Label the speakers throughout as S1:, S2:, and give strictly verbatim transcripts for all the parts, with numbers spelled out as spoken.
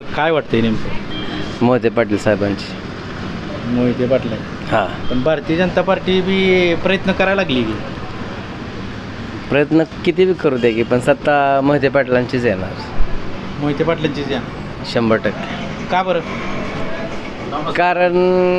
S1: काय वाटतंय नेमकं?
S2: मोहिते पाटील साहेबांची.
S1: मोहिते पाटील
S2: हां,
S1: पण भारतीय जनता पार्टी बी प्रयत्न करायला लागली की.
S2: प्रयत्न किती बी करू दे की, पण सत्ता मोहिते पाटलांचीच येणार
S1: मोहिते पाटलांचीच या.
S2: शंभर टक्के.
S1: का बरं?
S2: कारण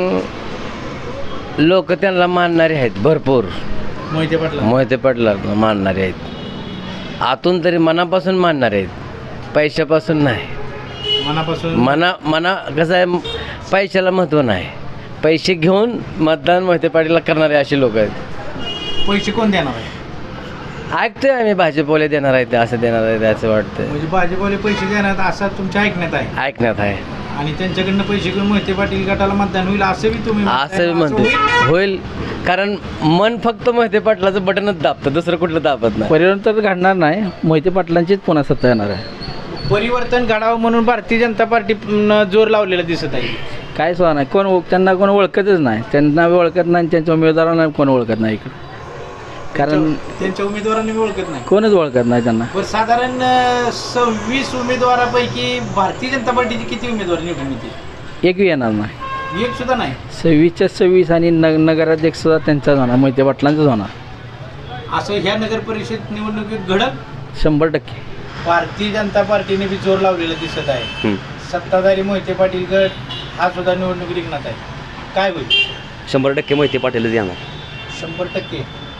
S2: लोक त्यांना मानणारे आहेत भरपूर.
S1: मोहिते पाटला
S2: मोहिते पाटलांना मानणारे आहेत, आतून तरी मनापासून मानणारे आहेत, पैशापासून नाही.
S1: मनापासून
S2: मना मना कसं आहे, पैशाला महत्त्व नाही, पैसे घेऊन मतदान मोहिते पाटीलला करणारे असे लोक आहेत.
S1: पैसे कोण देणार आहे?
S2: ऐकतोय आम्ही भाजपवाले देणार आहेत, असं देणार आहेत असं वाटतं.
S1: म्हणजे भाजपवाले पैसे देणार असा तुमच्या ऐकण्यात आहे.
S2: ऐकण्यात आहे.
S1: आणि त्यांच्याकडनं पैसे घेऊन मोहिते पाटील गटाला मतदान होईल असं बी तुम्ही
S2: असं म्हणते
S1: होईल?
S2: होईल, कारण मन फक्त मोहिते पाटलाचं बटनच दाबतं, दुसरं कुठलं दाबत नाही.
S3: परिवर्तन तर घडणार नाही, मोहिते पाटलांचीच पुन्हा सत्ता येणार आहे.
S1: परिवर्तन घडावं म्हणून भारतीय जनता पार्टी जोर लावलेला दिसत आहे.
S3: काय सुद्धा नाही, कोण ओळख- त्यांना कोण ओळखतच नाही, त्यांना ओळखत नाही, त्यांच्या उमेदवारांना कोण ओळखत नाही इकडं, कारण
S1: त्यांच्या उमेदवारांनी बी ओळखत नाही.
S3: कोणच ओळखत नाही त्यांना.
S1: बरं, साधारण अं, सव्वीस उमेदवारापैकी भारतीय जनता पार्टीचे किती उमेदवार निवडून येतील?
S3: एकही येणार नाही.
S1: एक सुद्धा नाही.
S3: सव्वीसच्या सव्वीस आणि न नगराध्यक्ष सुद्धा त्यांचाच होणार, मोहिते पाटलांचाच होणार
S1: असं ह्या नगर परिषद निवडणुकीत घडत.
S3: शंभर टक्के.
S1: भारतीय जनता पार्टीने बी जोर लावलेला दिसत आहे. सत्ताधारी मोहिते पाटील गट हा सुद्धा निवडणूक रिंगणात आहे. काय होईल?
S4: शंभर टक्के मोहिते पाटीलच येणार.
S1: शंभर टक्के.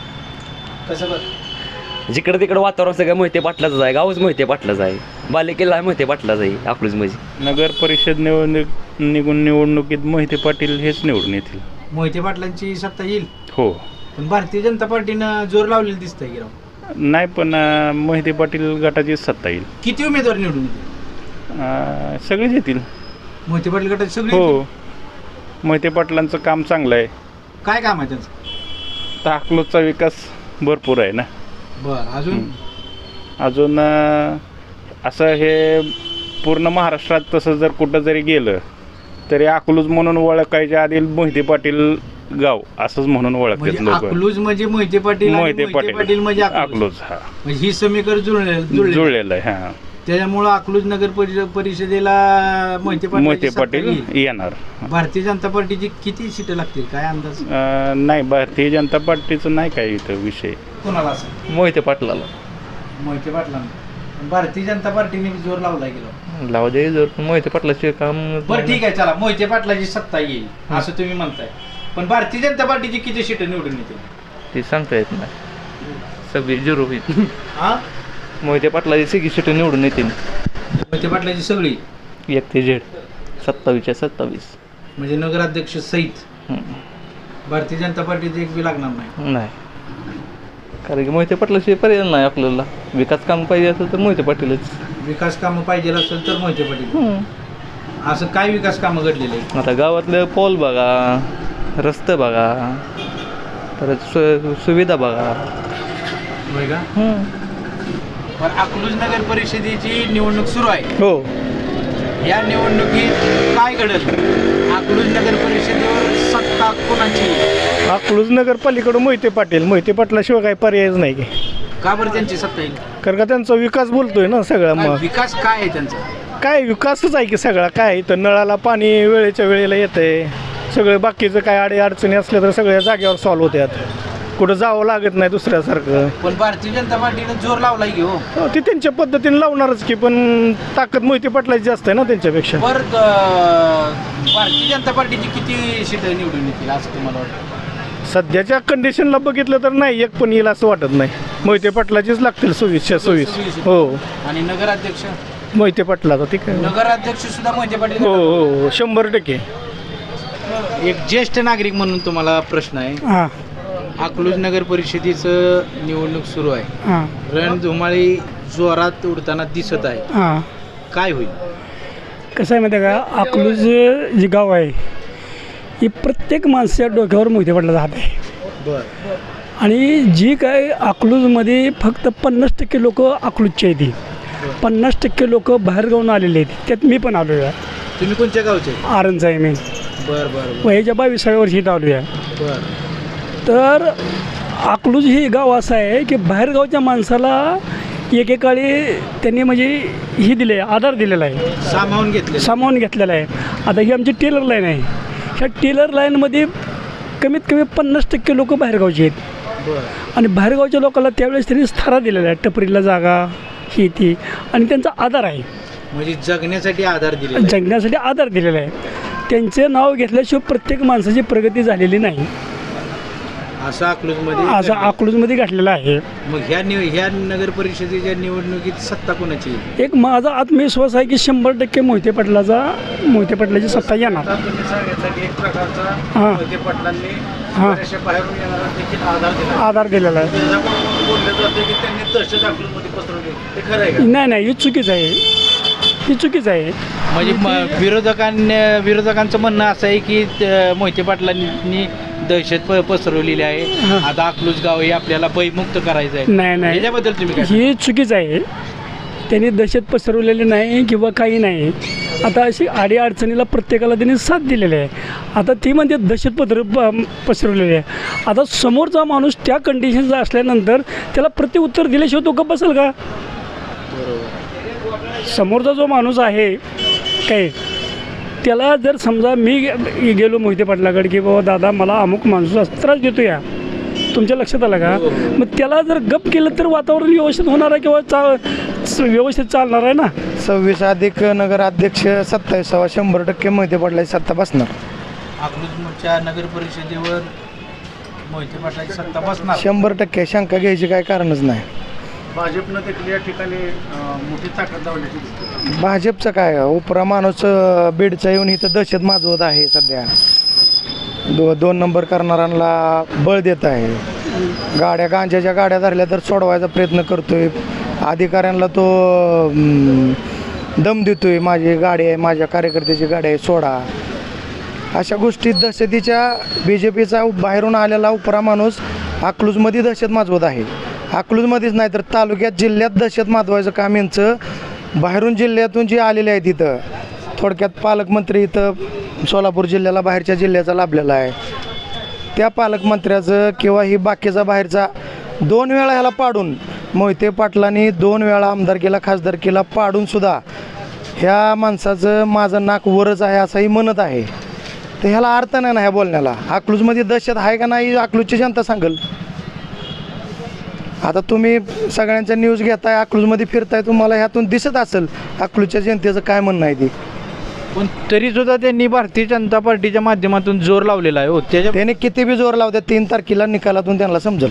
S1: कसं बघ,
S4: जिकडे तिकडे वातावरण सगळं मोहिते पाटलाच आहे, गावच मोहिते पाटलाच आहे, बालेकिल्ला मोहिते पाटलाच आहे अकलूज मध्ये.
S5: नगर परिषद निवडणूक निघून निवडणुकीत मोहिते पाटील हेच निवडून येतील.
S1: मोहिते पाटलांची सत्ता येईल.
S5: हो,
S1: पण भारतीय जनता पार्टीनं जोर लावलेलं दिसतंय की राव.
S5: नाही पण अं, मोहिते पाटील गटाचीच सत्ता येईल.
S1: किती उमेदवार निवडून येतील?
S5: अं, सगळेच येतील.
S1: मोहिते पाटील गटाचे सगळे
S5: हो,
S1: येतील?
S5: मोहिते पाटलांचं काम चांगलं आहे.
S1: काय काम आहे त्यांचं?
S5: तर अकलूजचा विकास भरपूर आहे ना.
S1: बरं, अजून
S5: अजून अं, असं हे पूर्ण महाराष्ट्रात तसं जर कुठं जरी गेलं तरी अकलूज म्हणून ओळखायच्या आधी मोहिते पाटील गाव असंच म्हणून ओळखतात
S1: म्हणजे
S5: लोक.
S1: अकलूज म्हणजे मोहिते पाटील आणि
S5: मोहिते
S1: पाटील म्हणजे
S5: पाटील
S1: अकलूज.
S5: अकलूज हा
S1: म्हणजे ही समीकरण जुळले जुळले
S5: जुळलेलं आहे. हा,
S1: त्याच्यामुळं अकलूज नगर परि- परिषदेला मोहिते पाटील
S5: मोहिते पाटील येणार.
S1: भारतीय जनता पार्टीची किती सीटं लागतील काय अंदाज?
S5: अं, नाही, भारतीय जनता पार्टीचं नाही काय इथं विषय.
S1: कोणाला असं?
S4: मोहिते पाटलाला
S1: मोहिते पाटलांना. भारतीय जनता पार्टीने बी जोर लावलाय गेलो.
S4: लावा दे, जर मोहिते पाटलाचे काम.
S1: बरं ठीक आहे, चला मोहिते पाटलाची सत्ता येईल असं तुम्ही म्हणताय, पण भारतीय जनता पार्टीची किती सीटं निवडून येतील?
S4: ते सांगता येत नाही, सगळी झिरो होईल.
S1: हा,
S4: मोहिते पाटलाची सगळी सीट निवडून येतील,
S1: मोहिते पाटलाची सगळी
S4: एक ते झेड सत्तावीसच्या सत्तावीस.
S1: म्हणजे नगराध्यक्ष सहित भारतीय जनता पार्टीचं एक बी लागणार नाही.
S4: नाही, कारण की मोहिते पाटलाशिवाय पर्याय नाही आपल्याला. विकास काम पाहिजे असेल तर मोहिते पाटीलच.
S1: विकास कामं पाहिजे असेल तर मोहिते पाटील. असं काय विकास कामं घडलेले आहेत?
S4: आता गावातलं पॉल बघा, रस्ते बघा, परत सु सुविधा बघा.
S1: होय का? पण अकलूज नगर परिषदेची निवडणूक सुरू आहे.
S3: हो,
S1: या निवडणुकीत काय घडत? अकलूज नगर परिषदेवर सत्ता कोणाची?
S6: अकलूज नगर पलीकडं मोहिते पाटील. मोहिते पाटलाशिवाय काही पर्यायच नाही की,
S1: का बरं त्यांची सत्ता येईल?
S6: कारण का त्यांचा विकास बोलतोय ना सगळा.
S1: काय
S6: मग
S1: विकास काय आहे त्यांचा?
S6: काय विकासच आहे की सगळा. काय इथं नळाला पाणी वेळेच्या वेळेला येतंय, सगळं बाकीचं काय अडी अडचणी असल्या तर सगळ्या जागेवर सॉल्व्ह होत्यात, कुठं जावं लागत नाही दुसऱ्यासारखं.
S1: पण भारतीय जनता पार्टीने जोर लावलाय की हो.
S6: हो, ती त्यांच्या पद्धतीने लावणारच की, पण ताकद मोहिते पाटलाची जास्त आहे ना त्यांच्यापेक्षा.
S1: बर, भारतीय जनता पार्टीची किती सीट निवडून येतील असं तुम्हाला वाटतं?
S6: सध्याच्या कंडिशनला बघितलं तर नाही एक पण येईल असं वाटत नाही. मोहिते पाटलाचीच लागतील सव्वीसच्या सव्वीस. हो,
S1: आणि नगराध्यक्ष?
S6: मोहिते पाटलाचा ठीक आहे.
S1: नगराध्यक्ष सुद्धा मोहिते पाटील.
S6: हो हो हो, शंभर टक्के.
S1: एक ज्येष्ठ नागरिक म्हणून तुम्हाला प्रश्न आहे.
S6: हां
S1: अकलूज नगर परिषदेचं निवडणूक सुरू आहे.
S6: हां
S1: रणधुमाळी जोरात उडताना दिसत आहे.
S6: हां
S1: काय होईल?
S7: कसं आहे माहिती आहे का, अकलूज जे गाव आहे ही प्रत्येक माणसाच्या डोक्यावर मोहिते पाटलाचा हात आहे.
S1: बर.
S7: आणि जी काय अकलूजमध्ये फक्त पन्नास टक्के लोक अकलूजचे आहेत, पन्नास टक्के लोक बाहेरगावून आलेले आहेत, त्यात मी पण आलो आहे.
S1: तुम्ही कोणत्या गावचे?
S7: आरणचा आहे मी.
S1: बर बर
S7: वयाच्या बावीसाव्या वर्षी इथं आलो आहे.
S1: बर.
S7: तर अकलूज हे गाव असं आहे की बाहेरगावच्या माणसाला एकेकाळी त्यांनी म्हणजे ही दिले आधार दिलेला आहे,
S1: सामावून घेतले.
S7: सामावून घेतलेला आहे. आता ही आमची टेलर लाईन आहे. ह्या टेलर लाईनमध्ये कमीत कमी पन्नास टक्के लोक बाहेरगावचे आहेत
S1: बरं.
S7: आणि बाहेरगावच्या लोकांना त्यावेळेस त्यांनी स्थारा दिलेला आहे, टपरीला जागा ही ती, आणि त्यांचा आधार आहे,
S1: म्हणजे जगण्यासाठी आधार दिले.
S7: जगण्यासाठी आधार दिलेला आहे. त्यांचे नाव घेतल्याशिवाय प्रत्येक माणसाची प्रगती झालेली नाही,
S1: असं अकलूजमध्ये
S7: असं अकलूजमध्ये घातलेलं आहे.
S1: मग ह्या निव ह्या नगर परिषदेच्या निवडणुकीत सत्ता कोणाची येईल?
S7: एक माझा आत्मविश्वास आहे की शंभर टक्के मोहिते पाटलाचा मोहिते पाटलाची सत्ता येणार.
S1: आता तुम्ही सांगितलं की एक प्रकारचा
S7: हां.
S1: मोहिते पाटलांनी
S7: हां.
S1: बऱ्याचशा बाहेरून येणारा देखील आधार दिला.
S7: आधार दिलेला आहे.
S1: त्याच्याकडून बोललं जातं की त्यांनी दहशत अकलूजमध्ये पसरवली. ते खरं आहे का?
S7: नाही नाही, ही चुकीच आहे, ही चुकीच आहे.
S1: म्हणजे म- विरोधकांनी विरोधकांचं म्हणणं असं आहे की त- मोहिते पाटलांनी दहशत प- पसरवलेली आहे.
S7: हां.
S1: आता अकलूज गाव हे आपल्याला भयमुक्त करायचं आहे.
S7: नाही नाही,
S1: याच्याबद्दल तुम्ही काय
S7: ही चुकीच आहे. त्यांनी दहशत पसरवलेली नाही किंवा काही नाही. आता अशी आडी अडचणीला प्रत्येकाला त्यांनी साथ दिलेली आहे. आता ती म्हणते दहशत पत्र प- पसरवलेली आहे. आता समोरचा माणूस त्या कंडिशनचा असल्यानंतर त्याला प्रत्युत्तर दिल्याशिवाय तो गप्प बसेल का? समोरचा जो माणूस आहे काय, त्याला जर समजा मी गे- गेलो मोहिते पाटलाकडे की बाबा दादा मला अमुक माणूस असं त्रास देतो या, तुमच्या लक्षात आलं का? मग त्याला जर गप केलं तर वातावरण व्यवस्थित होणार आहे किंवा चा व्यवस्थित चालणार आहे ना.
S6: सव्वीस अधिक नगराध्यक्ष सत्तावीसावा शंभर टक्के मोहिते पाटलाची सत्ता बसणार.
S1: अकलूजच्या नगर परिषदेवर मोहिते पाटलाची सत्ता बसणार.
S6: शंभर टक्के शंका घ्यायची काय कारणच नाही.
S1: भाजपनं देखील या ठिकाणी मोठी ताकद लावण्याची दिसते.
S6: भाजपचं काय उपरा माणूस अं, बीडचा येऊन इथं दहशत माजवत आहे सध्या. दो दोन नंबर करणाऱ्यांना बळ देत आहे. गाड्या गांजाच्या गाड्या धरल्या तर सोडवायचा प्रयत्न करतोय. अधिकाऱ्यांना तो अं, दम देतोय, माझी गाडी आहे, माझ्या कार्यकर्त्याची गाडी आहे, सोडा. अशा गोष्टी दहशतीच्या बी जे पीचा बाहेरून आलेला उपरा माणूस अकलूजमध्ये दहशत माजवत आहे. अकलूजमध्येच नाही तर तालुक्यात जिल्ह्यात दहशत माजवायचं काम यांचं बाहेरून जिल्ह्यातून जे आलेले आहेत इथं. थोडक्यात पालकमंत्री इथं सोलापूर जिल्ह्याला बाहेरच्या जिल्ह्याचा लाभलेला आहे. त्या पालकमंत्र्याचं किंवा ही बाकीचा बाहेरचा दोन वेळा ह्याला पाडून, मोहिते पाटलांनी दोन वेळा आमदारकीला खासदारकीला पाडूनसुद्धा ह्या माणसाचं माझं नाक वरच आहे असंही म्हणत आहे. तर ह्याला अर्थ नाही ना ह्या बोलण्याला. अकलूजमध्ये दहशत आहे का नाही अकलूजची जनता सांगेल. आता तुम्ही सगळ्यांच्या न्यूज घेताय, अकलूजमध्ये फिरताय, तुम्हाला ह्यातून दिसत असेल अकलूजच्या जनतेचं काय म्हणणं आहे ते.
S1: पण तरी सुद्धा त्यांनी भारतीय जनता पार्टीच्या माध्यमातून जोर लावलेला आहे. हो त्याच्या
S6: त्याने किती बी जोर लावतात, तीन तारखेला निकालातून त्यांना समजेल.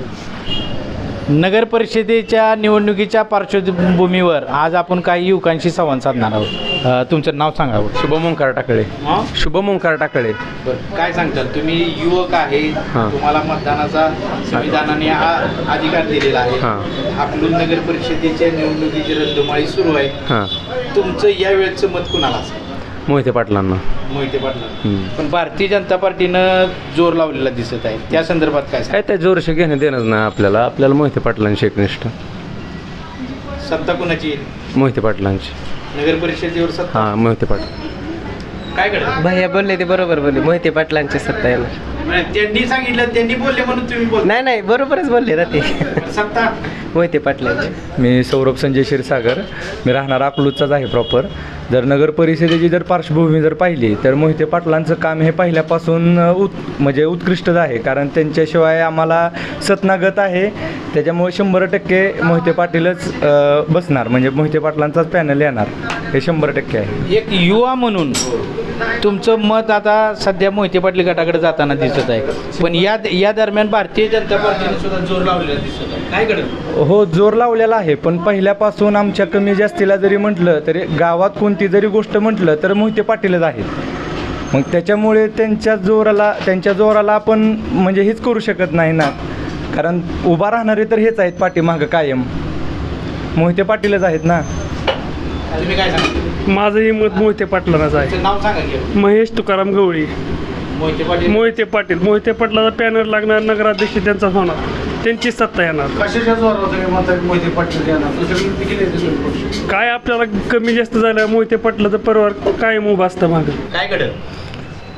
S1: नगर परिषदेच्या निवडणुकीच्या पार्श्वभूमीवर आज आपण काही युवकांशी संवाद साधणार आहोत. अ, तुमचं नाव सांगावं.
S8: शुभम ओंकार टाकळे. शुभम ओंकार टाकळे.
S1: काय सांगताल तुम्ही? युवक आहे,
S8: हां.
S1: तुम्हाला मतदानाचा संविधानाने हा अधिकार दिलेला आहे.
S8: हां.
S1: अकलूज नगर परिषदेच्या निवडणुकीची रद्दमाळी सुरू आहे.
S8: हां.
S1: तुमचं या वेळचं मत कुणाला असेल?
S8: मोहिते पाटलांना.
S1: मोहिते पाटला.
S8: हम्म.
S1: पण भारतीय जनता पार्टीनं जोर लावलेला दिसत आहे, त्या संदर्भात काय सांगाल?
S8: काय त्या जोरशी घेणं देणंच नाही आपल्याला. आपल्याला मोहिते पाटलांची एकनिष्ठ.
S1: सत्ता कुणाची येईल?
S8: मोहिते पाटलांची.
S1: नगर परिषदेवर सत्ता
S8: हां मोहिते पाटील.
S1: काय कळलं?
S2: भैया बोलले ते बरोबर बोलले, मोहिते पाटलांची सत्ता येणार.
S1: म्हणजे त्यांनी सांगितलं, त्यांनी बोलले म्हणून तुम्ही बोल.
S2: नाही नाही, बरोबरच बोलले ना ते.
S1: सत्ता
S2: मोहिते पाटलांची.
S3: मी सौरभ संजय क्षीरसागर. मी राहणार अकलूजचाच आहे प्रॉपर. जर नगर परिषदेची जर पार्श्वभूमी जर पाहिली तर मोहिते पाटलांचं काम हे पहिल्यापासून उत् म्हणजे उत्कृष्टच आहे. कारण त्यांच्याशिवाय आम्हाला सतनागत आहे. त्याच्यामुळे शंभर टक्के मोहिते पाटीलच अ, बसणार, म्हणजे मोहिते पाटलांचाच पॅनल येणार हे शंभर टक्के आहे.
S1: एक युवा म्हणून तुमचं मत आता सध्या मोहिते पाटील गटाकडे जाताना दिसत आहे. पण या या दरम्यान भारतीय जनता पार्टीने सुद्धा जोर लावलेला दिसत आहे. काय घडलं?
S3: हो, जोर लावलेला आहे. पण पहिल्यापासून आमच्या कमी जास्तीला जरी म्हटलं तरी गावात कोणती जरी गोष्ट म्हटलं तर मोहिते पाटीलच आहेत. मग त्याच्यामुळे त्यांच्या जोराला त्यांच्या जोराला आपण म्हणजे हेच करू शकत नाही ना. कारण उभा राहणारे तर हेच आहेत पाठीमागं कायम, मोहिते पाटीलच आहेत ना.
S1: तुम्ही काय सांगितलं?
S7: माझंही मत मोहिते पाटलांनाच आहे.
S1: तुमचं नाव सांगा की.
S7: महेश तुकाराम गवळी.
S1: मोहिते पाटील.
S7: मोहिते पाटील मोहिते पाटलाचा पॅनर लागणार, नगराध्यक्ष त्यांचा होणार, त्यांची सत्ता येणार.
S1: कशाच्या जोरावर तुम्ही म्हणता मोहिते पाटील येणार? दुसरीकडे किती नेते सुरू पक्ष?
S7: काय आपल्याला कमी जास्त झालं, मोहिते पाटलाचं परिवार कायम उभा असतं मागं.
S1: काय घडलं?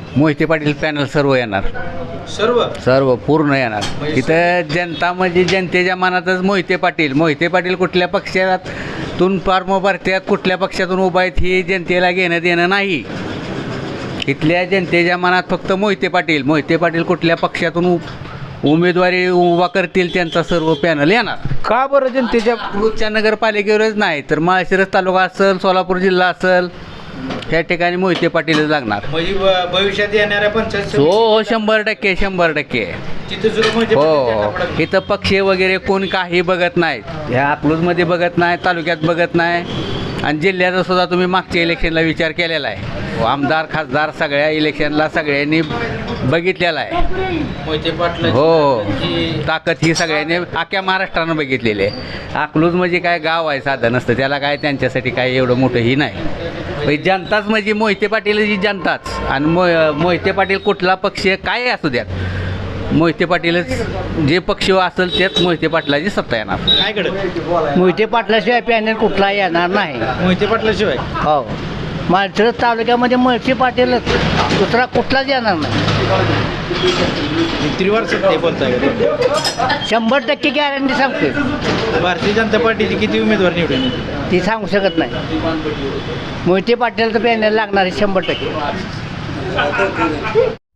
S9: मोहिते पाटील पॅनल सर्व येणार,
S1: सर्व
S9: सर्व पूर्ण येणार. इथं जनता म्हणजे जनतेच्या मनातच मोहिते पाटील मोहिते पाटील कुठल्या पक्षातून फॉर्म भरत्यात, कुठल्या पक्षातून उभा आहेत ही जनतेला घेणं देणं नाही. इथल्या जनतेच्या मनात फक्त मोहिते पाटील मोहिते पाटील कुठल्या पक्षातून उ उमेदवारी उभा करतील त्यांचा सर्व पॅनल येणार.
S1: का बरं जनतेच्या
S9: अकलूजच्या नगरपालिकेवरच नाही तर माळशिरस तालुका असेल, सोलापूर जिल्हा असेल, ह्या ठिकाणी मोहिते पाटीलच लागणार.
S1: म्हणजे ब- भविष्यात येणाऱ्या पंचायत
S9: हो हो शंभर टक्के शंभर टक्के
S1: तिथे सुद्धा मोहिते
S9: हो
S1: पाटील
S9: हो.
S1: झेंडा फडकणार.
S9: इथं पक्ष वगैरे कोण काही बघत नाहीत. ह्या अकलूजमध्ये बघत नाही, तालुक्यात बघत नाही आणि जिल्ह्याचा सुद्धा तुम्ही मागच्या इलेक्शनला विचार केलेला आहे. आमदार खासदार सगळ्या इलेक्शनला सगळ्यांनी बघितलेला आहे.
S1: मोहिते पाटील
S9: हो ताकद ही सगळ्यांनी अख्ख्या महाराष्ट्रानं बघितलेली आहे. अकलूज म्हणजे काय गाव आहे साधं नसतं, त्याला काय त्यांच्यासाठी काय एवढं मोठं ही नाही. पण जनताच म्हणजे मोहिते पाटील जी जनताच आणि मो मोहिते पाटील कुठला पक्ष काय असू द्यात, मोहिते पाटीलच जे पक्ष असेल तेच मोहिते पाटलाची सत्ता येणार.
S1: काय घडत
S2: मोहिते पाटलाशिवाय पॅनल कुठला येणार नाही.
S1: मोहिते पाटलाशिवाय
S2: हो माळशिरस तालुक्यामध्ये मोहिते पाटीलच, दुसरा कुठलाच येणार नाही.
S1: त्रिवार सत्य बोलताय का?
S2: शंभर टक्के गॅरंटी सांगते.
S1: भारतीय जनता पार्टीचे किती उमेदवार निवडून येतील?
S2: ती सांगू शकत नाही. मोहिते पाटीलचं पॅनल लागणार आहे शंभर टक्के.